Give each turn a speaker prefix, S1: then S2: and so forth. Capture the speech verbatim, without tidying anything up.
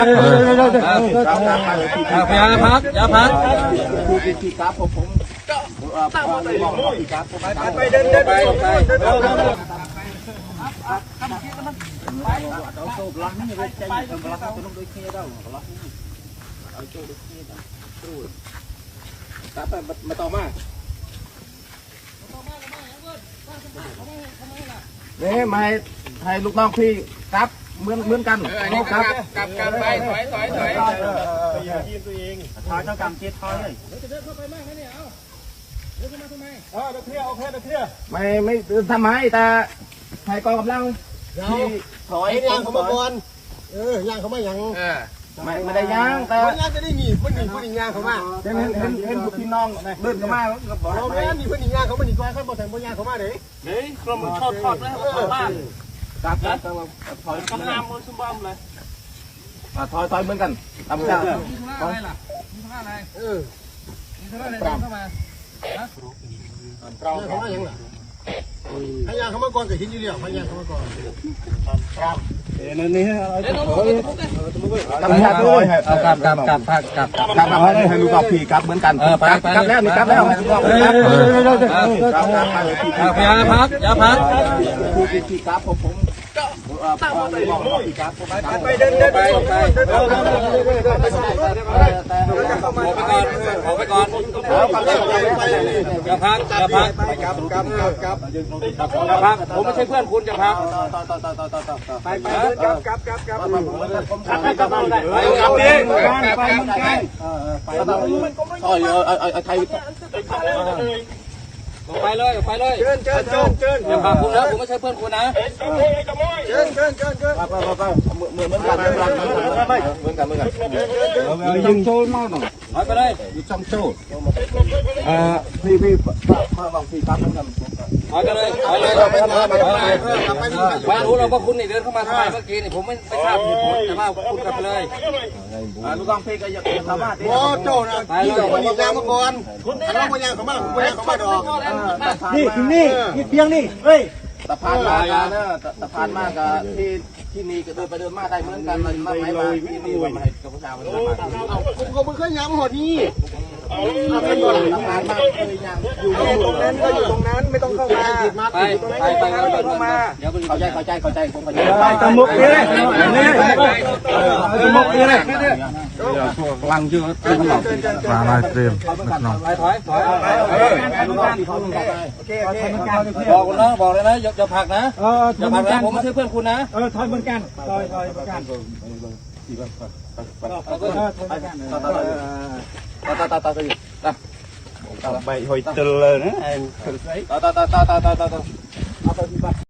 S1: อย่าพักอย่าพัก
S2: คือขี่กราฟผมผมก็ตั้งมาเลยขี่กราฟผม
S1: ไปเดินเดินไปไป
S2: เอาโซ่ลังนี่เลยใจเย็นลังต้องโดยเคียร์เราเอาโซ่โดยเคียร์เราตู้กราฟไปมาต่อมาเนี่ยมาให้ลูกน้องพี่กราฟเหมือนเหมือนกัน
S1: ครับกับกับไปถอยถอยถอย
S2: อย่ายิงตัวเองถอยเท่ากับเจ็ดถอยเลย
S1: จะเดินเข้าไปมากนะเนี่ยเอาเดินเข้ามาทำไม
S2: เออเดินเที่ยวโอเคเดินเที่ยวไม่ไม่ทำไมแต่ใครกองกำลังที่ถอย
S3: ย่างเขามาก่อนเออย่างเขามาอย่าง
S2: ไม่ไม่ได้ย่างแต่
S3: ย่างจะได้หนีเพื่อนหนีเพื่อนหนีย่างเขามา
S2: เห็นเห็นเห็นพี่น้องเดินเข้ามา
S3: เราไม่หนีเพื่อนหนีย่างเขามาหนีก่อนเขาบอกแต่เพื่อนย่างเขามาเลย
S1: เฮ้ยกลมทอดทอดแล้วทอดบ้าน
S2: ครับครับถอย
S1: กำลังมือซุ่มบ้ามเลย
S2: ถอยถอยเหมือนกันทำกัน
S1: มีธุระอะไรล่ะมีธุระอะไรเออมีธุระอะไรเข้ามา
S3: เราเขามาอย่างไรให้ย่างเขามาก่อนกับหินอยู่เดียวให้ย่างเขามาก่อนครับ
S2: เดี๋ยวนี้
S1: เดี๋ยวต้อง
S2: ทำกันเลย
S1: กับกับกับกับกับ
S2: กับกับให้ลูกกับพี่กับเหมือนกันกับกับแล้วนี่กับแล้ว
S1: อย่าพักอย่าพัก
S2: คือพี่กับผมผมตั้งมาเลยขี่กราฟ
S1: ไปเดินเดินไปไปขอไปก่อนขอไปก่อนอย่าพักอย่าพัก
S3: กับกับกับ
S1: อย่าพักผมไม่ใช่เพื่อนคุณอย่าพัก
S3: ไปไปกับกับกับกับ
S1: ไปกับไปกับดิ
S2: ไปมึงกันไปต่อยเอาเอาเอาไทย
S1: ไปเลยไปเลย
S3: เชิญเชิญเชิญเชิญ
S1: อย่าพาคุณนะผมไม่ใช่เพื่อนคุณนะ
S3: เชิญเชิญเชิญเชิญ
S2: ไปไปไปเหมือนเหมือนกันเหมือนกันเหมือนกันเหมือนกันยิงโจมากหน่อย
S1: ไปเลย
S2: ยิงจำโจเอ่อพี่พี่มาลองพี่ครับเหมือนกัน
S1: ไปกันเลยไปเลยไปเลยไปเลยไม่รู้เราว่าคุณนี่เดินเข้ามาทำไมเมื่อกี้นี่ผมไม่ไม่ทราบเหตุผลแต่ว่าคุณกลับไปเลย
S2: ลูกน้องพี่ก็อยากทำมา
S3: โอ้โจนะพี่โจมันยางมาก่อนเราไม่ยางเขามาไม่ยางเขามาดอก
S2: นี่ถึงนี่นี่เพียงนี่เฮ้ยสะพานมากนะสะพานมากกับที่ที่นี่ก็เดินไปเดินมาได้เหมือนกันมันไม่มาที่นี่ว่าไม่กับผู้ชายมันมา
S3: ผมเขาไม่เคยย้ำหอนี่
S2: เอาเป็นตัวสะพานมากเลยยัง
S3: อยู่ตรงนั้นก็อยู่ตรงนั้นไม่ต้องเข้ามา
S1: ไปไปไปเข้ามา
S2: เดี๋ยวเข้าใจเข้าใจเข้าใจผมเข้าใจ
S3: ไปตะมุกนี่เลยนี่
S2: ตะมุกนี่เลยลังเยอะ
S4: มาลายเตรียมน้อง
S1: ไปถอยถอย
S3: โอเคโอเค
S1: บอกนะบอกเลยนะอย่าอย่าผักนะอย่าผักนะผมไม่ใช่เพื่อนคุณนะ
S3: เออถอยเหมือนกันถอยถอยเหมือนกัน
S2: ตาตาตาตาตา
S4: ใบหอยเตลเลยนะ
S2: ตาตาตาตาตาตาตา